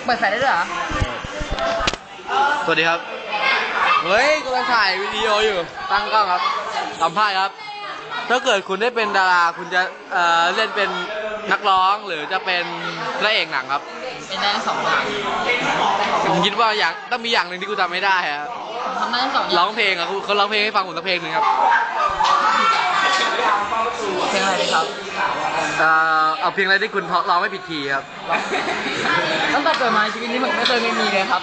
ปิดไฟได้ด้วยเหรอสวัสดีครับเฮ้ยกำลังถ่ายวิดีโออยู่ตั้งกล้องครับสัมภาษณ์ครับถ้าเกิดคุณได้เป็นดาราคุณจะเล่นเป็นนักร้องหรือจะเป็นพระเอกหนังครับเป็นได้ทั้งสองอย่างผมคิดว่าอย่างต้องมีอย่างหนึ่งที่กูทำไม่ได้ครับทำได้ทั้งสองอย่างร้องเพลงอ่ะเขาร้องเพลงให้ฟังผมสักเพลงหนึ่งครับเพลงอะไรดีครับเอาเพลงอะไรที่คุณร้องไม่ผิดคีย์ครับตั้งแต่เกิดมาชีวิตนี้ผมไม่เคยไม่มีเลยครับ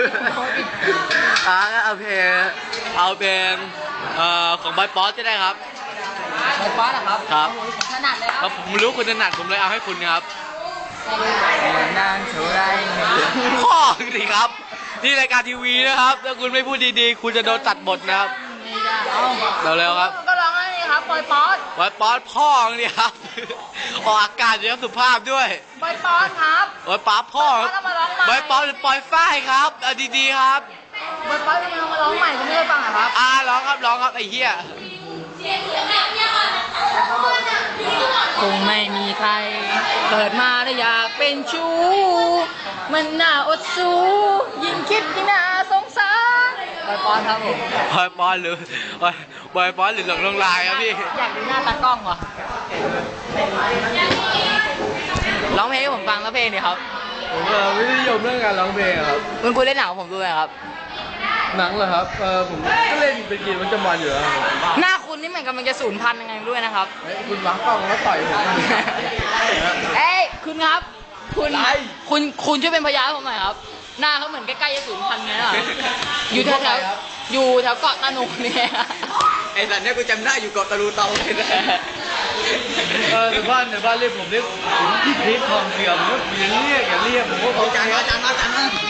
เอาเพลงของบอยป๊อตจะได้ครับบอยป๊อตนะครับครับถนัดเลยครับผมรู้คุณถนัดผมเลยเอาให้คุณครับนานเท่าไรพ่อสิครับนี่รายการทีวีนะครับถ้าคุณไม่พูดดีๆคุณจะโดนตัดบทนะครับเร็วๆครับก็ร้องอะไรครับบอยป๊อตพ่อเนี่ยครับออกอากาศเยอะสุภาพด้วยบอยป๊อตครับบอยป๊อตพ่อบอยป๊อตหรือปอยฝ้ายครับดีๆครับบอยป๊อตมาร้องใหม่คุณไม่ได้ฟังเหรอครับร้องครับไอ้เหี้ยคงไม่มีใครเกิดมาแล้วอยากเป็นชู้มันน่าอดสู้ยิ่งคิดยิ่งน่าสงสารบอยป๊อตครับผมบอยป๊อตหรืหลงลงลายครับพี่อยากดูหน้าตากล้องเหรอร้องเพลงให้ผมฟังแล้วเพลงนี่ครับผมไม่นิยมเรื่องการร้องเพลงครับคุณเล่นหนังผมด้วยครับหนังเหรอครับผมก็เล่นเป็นกิจวัตรประจำวันอยู่แล้วหน้าคุณนี่เหมือนกำลังจะสูญพันธุ์ยังไงด้วยนะครับคุณวางกล้องแล้วต่อยผมเอ้ยคุณครับคุณช่วยเป็นพยานให้ผมหน่อยครับหน้าเขาเหมือนใกล้ๆจะสูญพันธุ์ไงล่ะอยู่แถวเกาะตานุเนี่ยไอ้สัตว์เนี่ยกูจำได้อยู่เกาะตะลูเตาเลยนะในบ้านเรียกผมเรียกพี่พีททองเสื่อมอย่าเรียกผมว่าเขาจานมา